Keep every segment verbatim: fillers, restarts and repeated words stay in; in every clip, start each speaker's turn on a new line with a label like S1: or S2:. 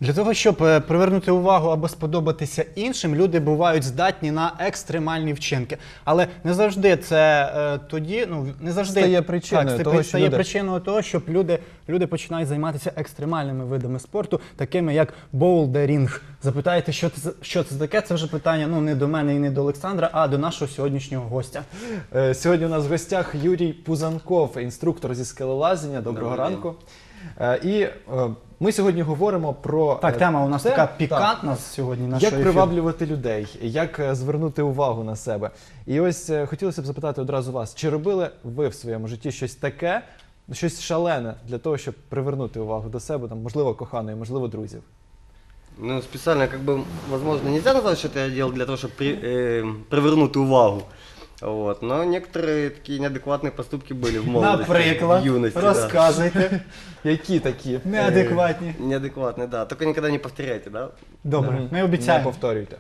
S1: Для того, щоб е, привернути увагу або сподобатися іншим, люди бувають здатні на екстремальні вчинки. Але не завжди це е, тоді, ну не завжди
S2: Стає причиною
S1: так, це
S2: того,
S1: при-
S2: що
S1: стає
S2: люди-
S1: причиною того, щоб люди, люди починають займатися екстремальними видами спорту, такими як боулдерінг. Запитаєте, що це, за- що це таке? Це вже питання ну не до мене і не до Олександра, а до нашого сьогоднішнього гостя.
S2: Е, Сьогодні у нас в гостях Юрій Пузанков, інструктор зі скелелазіння. Доброго
S3: Добрий день.
S2: ранку. Е, І е, ми сьогодні говоримо про
S1: Так,
S2: е,
S1: тема у нас
S2: те,
S1: така
S2: так,
S1: пікантна сьогодні. нашого
S2: як
S1: ефіру.
S2: приваблювати людей, як е, звернути увагу на себе. І ось е, хотілося б запитати одразу вас, чи робили ви в своєму житті щось таке, щось шалене для того, щоб привернути увагу до себе, там, можливо, коханої, можливо, друзів?
S3: Ну, специально, как бы, возможно, нельзя назвать, что это я делал для того, чтобы при, э, привернуть увагу. Вот. Но некоторые такие неадекватные поступки были в молодости,
S1: Наприклад,
S3: в юности. да.
S1: розказуйте.
S2: Які такі?
S1: Неадекватні.
S3: Неадекватные, да. Только никогда не повторяйте, да.
S1: Добре,
S2: Мгм.
S1: ми
S2: Не
S1: обіцяємо.
S2: повторюйте.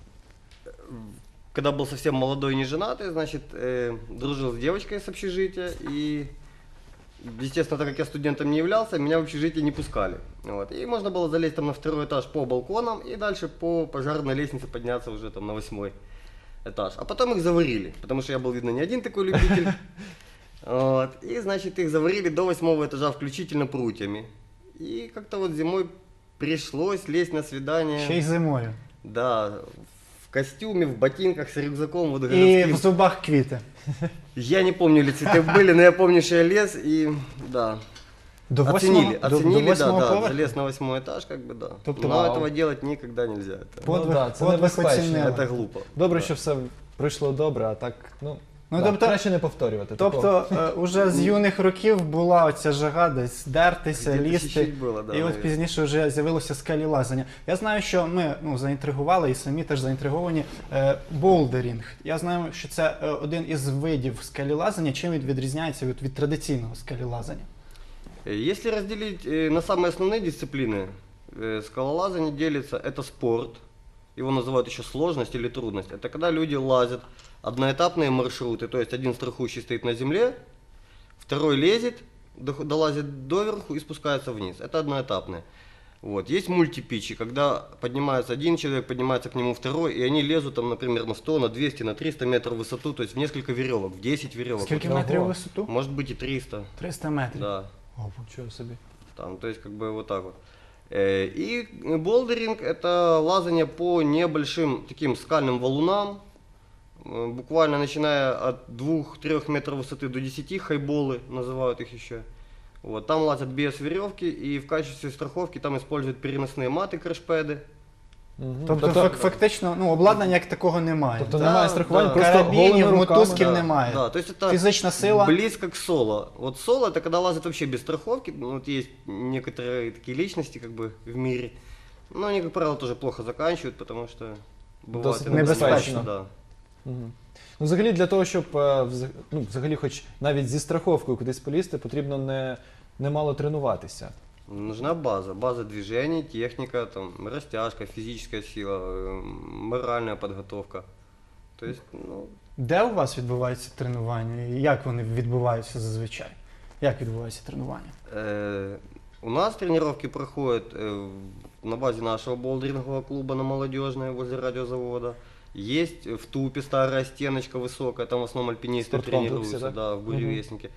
S3: Когда был совсем молодой и не женатый, значит, э, дружил с девочкой с общежития, и, естественно, так как я студентом не являлся, меня в общежитие не пускали. Вот. И можно было залезть там на второй этаж по балконам и дальше по пожарной лестнице подняться уже там на восьмой этаж. А потом их заварили, потому что я был, видно, не один такой любитель. Вот. И, значит, их заварили до восьмого этажа включительно прутьями. И как-то вот зимой пришлось лезть на свидание.
S1: Ще й зимою.
S3: Да, в костюме, в ботинках, с рюкзаком, вот
S1: І
S3: городским.
S1: в зубах квіти.
S3: Я не помню, ли цветы были, но я помню, что я лез и, да,
S1: До восьмого,
S3: оценили,
S1: до,
S3: оценили,
S1: до
S3: да,
S1: восьмого
S3: да,
S1: поверху?
S3: залез на восьмой этаж, как бы, да.
S1: Тобто,
S3: Но
S1: вау.
S3: этого делать никогда нельзя, это,
S1: Подвиг,
S2: Ну да, це
S1: подвиг
S2: небезпечно.
S1: оцінили.
S3: это глупо.
S2: Добре,
S3: Да.
S2: що все пройшло добре, а так, ну,
S1: Ну,
S2: да,
S1: тобто-
S2: краще не повторювати. такого.
S1: Тобто, е, уже з юних років була оця жага десь дертися,
S3: Где-то
S1: лізти.
S3: чуть-чуть было, да,
S1: І от
S3: наверное.
S1: пізніше вже з'явилося скелелазання. Я знаю, що ми ну, заінтригували і самі теж заінтриговані е, боулдерінг. Я знаю, що це е, один із видів скелелазання. Чим він відрізняється від, від традиційного скелелазання?
S3: Э, Если разделить э, на самые основные дисциплины, э, скалолазание делится, это спорт, его называют еще сложность или трудность. Это когда люди лазят одноэтапные маршруты, то есть один страхующий стоит на земле, второй лезет, дох- долазит доверху и спускается вниз. Это одноэтапные. Вот. Есть мультипичи, когда поднимается один человек, поднимается к нему второй, и они лезут там, например, на сто, на двести, на триста метров в высоту, то есть в несколько веревок, в десять веревок.
S1: Скільки
S2: Ого.
S1: метрів у висоту?
S3: Может быть и триста.
S1: триста метрів.
S3: Да.
S1: О,
S2: Нічого собі.
S3: Там, то есть как бы вот так вот. Э, И болдеринг это лазание по небольшим таким скальным валунам, э, буквально начиная от двух-трёх метров высоты до десяти, хайболы называют их еще. Вот, там лазят без веревки, и в качестве страховки там используют переносные маты, крэшпэды.
S2: Мгм.
S1: Тобто,
S2: Тобто-
S1: фак- фактично, ну, обладнання як такого немає.
S2: Тобто
S3: Да,
S2: немає страхування,
S3: да.
S2: просто
S1: Карабінів,
S2: голими руками.
S1: мотузків
S3: Да,
S1: немає.
S3: да, то есть это
S1: Фізична сила.
S3: близко к соло. Вот соло это когда лазят вообще без страховки. Ну, вот есть некоторые такие личности как бы в мире. Но они, как правило, тоже плохо заканчивают, потому что бывает
S2: Досить
S3: иногда
S1: небезпечно.
S3: Да.
S2: Мгм. Ну, взагалі, для того, щоб е, взаг- ну, взагалі, хоч навіть зі страховкою кудись полізти, потрібно не, немало тренуватися.
S3: Нужна база. База движений, техника, там, растяжка, физическая сила, э, моральная подготовка. То есть, ну,
S1: Де у вас відбуваються тренування? І як вони відбуваються зазвичай? Як відбуваються тренування?
S3: Э, У нас тренировки проходят э, в- на базе нашего болдерингового клуба на Молодежной возле радиозавода. Есть в Тупе старая стеночка высокая, там в основном альпинисты
S2: Спорткомплексе,
S3: тренируются,
S2: да?
S3: да, в
S2: Мгм.
S3: буревестнике.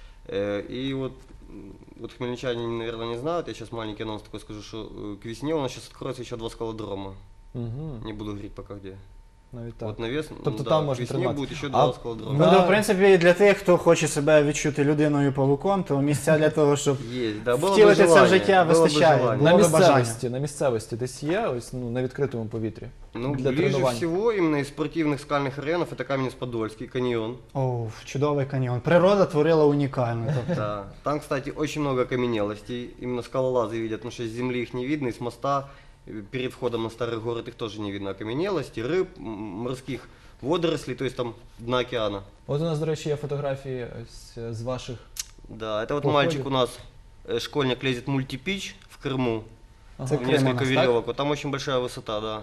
S3: Э, И вот, м, вот хмельничане, наверное, не знают, я сейчас маленький анонс такой скажу, что э, к весне у нас сейчас откроется еще два скалодрома.
S2: Угу.
S3: Не буду говорить пока где.
S2: Навіть так.
S3: Вот навес,
S2: Тобто
S3: да,
S2: там
S3: к
S2: можно
S3: весне
S2: тренироваться.
S3: будет еще
S2: А
S3: два скалодрома.
S1: Ну,
S2: Да.
S1: то, в принципі, для тих, хто хоче себе відчути людиною-павуком, то місця для того, щоб
S3: Есть, да, было бы
S1: втілити це в
S3: желание,
S1: життя
S3: было бы
S1: вистачає.
S3: желание.
S2: На
S1: було би бажання.
S2: місцевості, на місцевості десь є, ось ну, на відкритому повітрі.
S3: Ну,
S2: для
S3: ближе
S2: тренувань.
S3: всего именно из спортивных скальных районов это Каменец-Подольский, каньон.
S1: О, чудовий каньйон. Природа творила унікально. Тобто.
S3: Да. Там, кстати, очень много окаменелостей. Именно скалолазы видят, потому что с земли их не видно, и с моста э, перед входом на старый город их тоже не видно. Окаменелости, рыб, м, морских водорослей, то есть там дна океана.
S2: От у нас, до речі, є фотографії ось е, з ваших.
S3: Да, это вот
S2: Походит.
S3: мальчик у нас, э, школьник, лезет в мультипич в Крыму,
S2: Ага.
S1: Це
S3: в
S1: Крым у
S3: несколько
S1: нас, так?
S3: веревок. Вот там очень большая высота, да.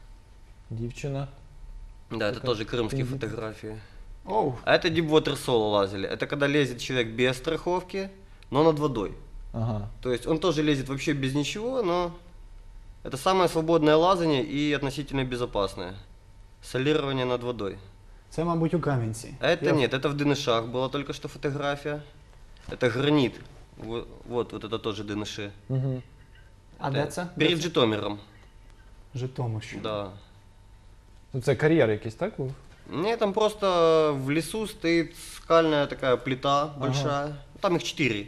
S2: Дівчина.
S3: Да, это
S2: Такая
S3: тоже крымские
S2: пиздец.
S3: фотографии.
S1: Оу.
S3: А это дипвотер соло лазили. Это когда лезет человек без страховки, но над водой.
S2: Ага.
S3: То есть он тоже лезет вообще без ничего, но Это самое свободное лазание и относительно безопасное. Солирование над водой.
S1: Це, мабуть, у Кам'янці.
S3: А это
S1: Я-
S3: нет, это в Дынышах была только что фотография. Это гранит. Вот, вот, вот это тоже Дыныши.
S2: Угу.
S1: А де це? Де
S3: Перед
S1: це?
S3: Житомиром.
S1: Житомирщина.
S3: Да.
S2: Ну, це кар'єр якийсь, так був?
S3: Не, там просто в лесу стоит скальная такая плита большая. Там их четыре.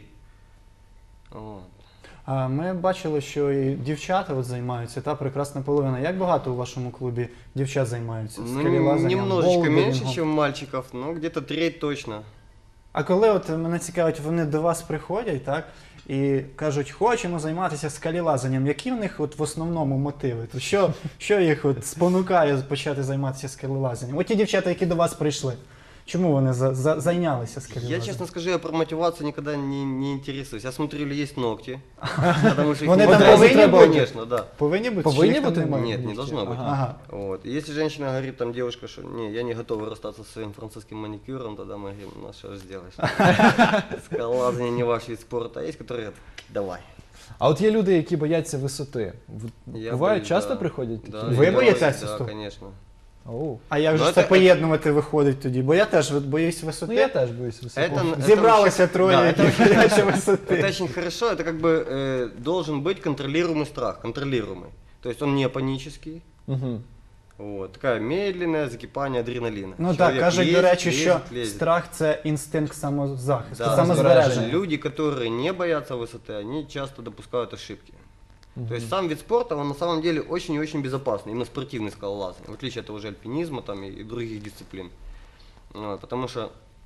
S3: Вот.
S1: А ми бачили, що і дівчата от займаються, та прекрасна половина. Як багато у вашому клубі дівчат займаються?
S3: Ну,
S1: скелелазанням,
S3: немножечко
S1: болдерингом?
S3: меньше, чем мальчиков, но где-то треть точно.
S1: А коли от мене цікавить, вони до вас приходять, так? І кажуть, хочемо займатися скелелазанням. Які в них от в основному мотиви? То що, що їх от спонукає почати займатися скелелазанням? От ті дівчата, які до вас прийшли, чому вони за, за, зайнялися скелелазанням?
S3: Я, честно скажу, я про мотивацию никогда не, не интересуюсь. Я смотрю, или есть ногти. Потому что их
S1: Вони
S3: не
S1: там
S3: хватает.
S1: повинні бути?
S3: Конечно, да.
S1: Повинні бути?
S2: Повинні
S1: чи їх там
S2: бути?
S1: немає?
S3: Нет, не должно быть.
S1: Ага.
S3: Вот. И если женщина говорит, там, девушка, что не, я не готова расстаться со своим французским маникюром, тогда мы говорим, ну что ж сделаешь. Скалолазание не ваш вид спорта, а есть, которые говорят, давай.
S2: А от є люди, які бояться висоти. В-
S3: Я
S2: Бувають,
S3: боюсь,
S2: часто
S3: да.
S2: приходять такі?
S3: Да,
S1: Ви
S3: я
S1: боїтеся
S3: боюсь, Да,
S1: висоти?
S3: конечно.
S2: Оу.
S1: А як же
S3: Ну,
S1: ж це
S3: це-
S1: поєднувати виходить тоді? Бо я теж от боюсь висоти.
S2: Ну я теж боюсь висоти.
S3: Это- это
S1: Зібралися
S3: вообще-
S1: троє,
S3: да,
S1: які
S3: это-
S1: бояться висоти.
S3: Это очень хорошо, это как бы э, должен быть контролируемый страх, контролируемый. То есть он не панический,
S2: Угу.
S3: вот, такая медленное закипание адреналина.
S1: Ну так,
S3: Человек
S1: кажуть, до
S3: лезет,
S1: речі,
S3: лезет,
S1: що
S3: лезет.
S1: страх це інстинкт самозахисту,
S3: Да,
S1: самозбереження.
S3: люди, которые не боятся высоты, они часто допускают ошибки. То есть сам вид спорта, он на самом деле очень и очень безопасный, именно спортивный скалолазание, в отличие от того же альпинизма там, и, и других дисциплин. Вот, потому что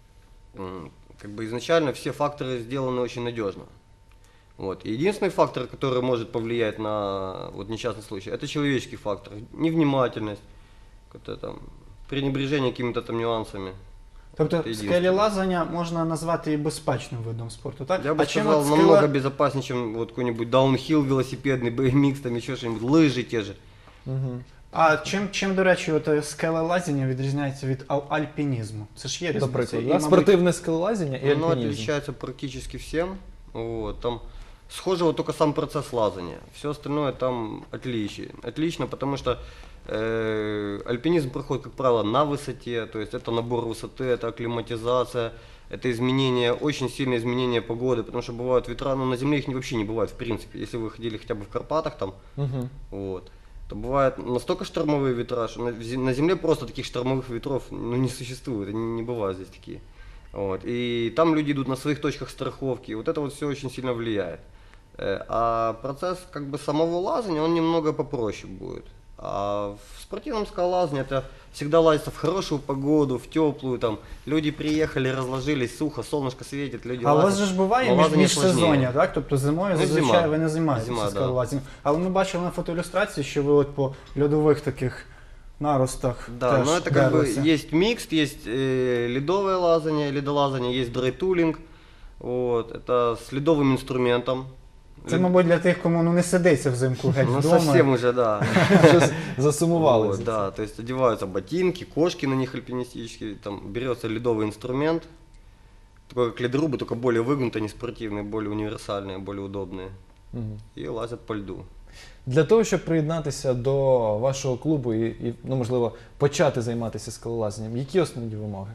S3: м, как бы изначально все факторы сделаны очень надежно. Вот. И единственный фактор, который может повлиять на вот, несчастный случай, это человеческий фактор, невнимательность, какое-то там пренебрежение какими-то там нюансами.
S1: Тобто
S3: Це єдине.
S1: скелелазання можна назвати і безпечним видом спорту, так?
S3: Я бы
S1: а чим
S3: сказал,
S1: от
S3: намного
S1: скеле-
S3: безопаснее, чем вот какой-нибудь даунхилл велосипедный, би эм икс, там еще что-нибудь, лыжи те же.
S2: Угу.
S1: А чим, чим, до речі, от е, скелелазіння відрізняється від ал- альпінізму? Це ж є різниця.
S2: Наприклад,
S1: І,
S2: да?
S1: мабуть,
S2: спортивне скелелазіння і
S3: Оно
S2: альпінізм.
S3: отличается практически всем. Вот, там схоже вот только сам процесс лазания. Все остальное там отличие. Отлично, потому что э, альпинизм проходит, как правило, на высоте. То есть это набор высоты, это акклиматизация, это изменение, очень сильное изменение погоды. Потому что бывают ветра, но на земле их не- вообще не бывает в принципе. Если вы ходили хотя бы в Карпатах там,
S2: Угу.
S3: вот, то бывают настолько штормовые ветра, что на, зе- на земле просто таких штормовых ветров ну, не существует, они не бывают здесь такие. Вот. И там люди идут на своих точках страховки, и вот это вот все очень сильно влияет. Э, А процесс как бы самого лазания, он немного попроще будет. А в спортивном скалолазании это всегда лазится в хорошую погоду, в теплую, там люди приехали, разложились, сухо, солнышко светит, люди
S1: А у вас
S3: лазят.
S1: же ж буває
S3: Но
S1: між,
S3: лазание
S1: міжсезоння,
S3: сложнее.
S1: так? Тобто зимою
S3: Ну,
S1: зазвичай
S3: зима.
S1: ви не займаєтеся
S3: Зима, да.
S1: скелелазінням. Але ми бачили на фотоілюстрації, що ви от по льодових таких наростах
S3: Да,
S1: теж
S3: но это как бы
S1: дерлися.
S3: есть микс, есть э, ледовое лазание, ледолазание, есть драйтулинг, вот, это с ледовым инструментом.
S1: Це,
S3: Лед-
S1: мабуть, для тих, кому ну, не сидиться взимку геть
S3: Ну
S1: вдома.
S3: совсем уже, да.
S2: Щось засумували.
S3: Вот,
S2: за
S3: да, то есть одеваются ботинки, кошки на них альпинистические, там берется ледовый инструмент, такой как ледрубы, только более выгнутые, не спортивные, более универсальные, более удобные,
S2: це. Мгм.
S3: и лазят по льду.
S2: Для того, щоб приєднатися до вашого клубу і, і ну, можливо, почати займатися скелелазанням, які основні вимоги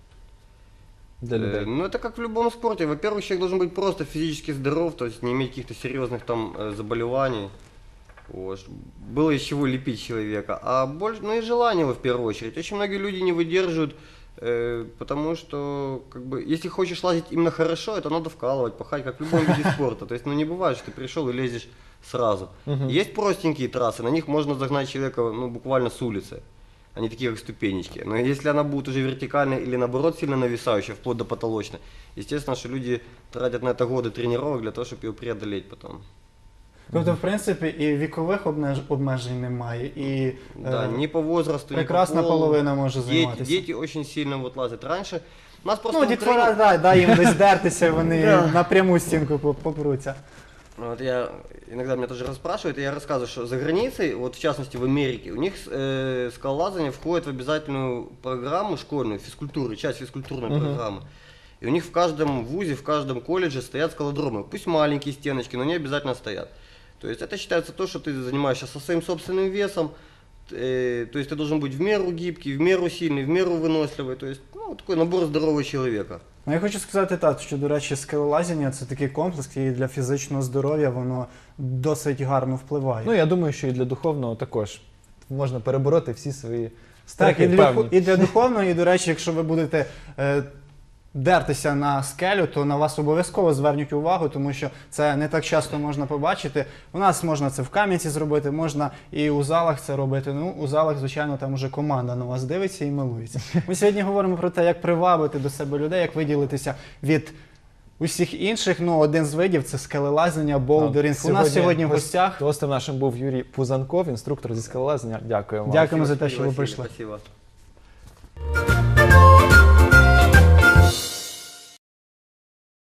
S2: для
S3: Э,
S2: людей?
S3: Ну, это как в любом спорте. Во-первых, человек должен быть просто физически здоров, то есть не иметь каких-то серьезных там э, заболеваний. Вот, чтоб было из чего лепить человека. А больше, ну и желание его в первую очередь. Очень многие люди не выдерживают, э, потому что, как бы, если хочешь лазить именно хорошо, это надо вкалывать, пахать, как в любом виде спорта. То есть, ну не бывает, что ты пришел и лезешь сразу.
S2: Мгм.
S3: Есть простенькие трассы, на них можно загнать человека, ну, буквально с улицы. Они такие, как ступенечки. Но если она будет уже вертикальная или наоборот сильно нависающая, вплоть до потолочной, естественно, что люди тратят на это годы тренировок для того, чтобы ее преодолеть потом.
S1: Тобто, в принципі, і вікових обмеж- обмежень немає, і
S3: Да,
S1: е,
S3: ни по возрасту, ни по
S1: прекрасна
S3: полу.
S1: половина може
S3: Дети,
S1: займатися.
S3: дети очень сильно вот лазят. Раньше у нас просто
S1: Ну,
S3: в
S1: дітвора,
S3: Украине-
S1: да, дай їм десь дертися, вони
S3: Да.
S1: на пряму стінку по- попруться.
S3: Вот я иногда меня тоже расспрашивают, и я рассказываю, что за границей, вот в частности в Америке, у них э, скалолазание входит в обязательную программу школьную, физкультуры, часть физкультурной
S2: Мгм.
S3: программы. И у них в каждом вузе, в каждом колледже стоят скалодромы. Пусть маленькие стеночки, но они обязательно стоят. То есть это считается то, что ты занимаешься со своим собственным весом, э, то есть ты должен быть в меру гибкий, в меру сильный, в меру выносливый, то есть ну, такой набор здорового человека.
S1: Ну, я хочу сказати так, що, до речі, скелелазіння – це такий комплекс, і для фізичного здоров'я воно досить гарно впливає.
S2: Ну я думаю, що і для духовного також можна перебороти всі свої
S1: Так,
S2: страхи
S1: і для,
S2: певні.
S1: і для духовного, і, до речі, якщо ви будете е, дертися на скелю, то на вас обов'язково звернуть увагу, тому що це не так часто можна побачити. У нас можна це в Кам'янці зробити, можна і у залах це робити. Ну, у залах, звичайно, там уже команда на вас дивиться і милується. Ми сьогодні говоримо про те, як привабити до себе людей, як виділитися від усіх інших. Ну, один з видів – це скелелазіння, болдерінг. У нас сьогодні в гостях.
S2: Гостем нашим був Юрій Пузанков, інструктор зі скелелазіння. Дякуємо вам.
S1: Дякуємо за те, що ви
S3: Василий,
S1: прийшли.
S3: Спасибо.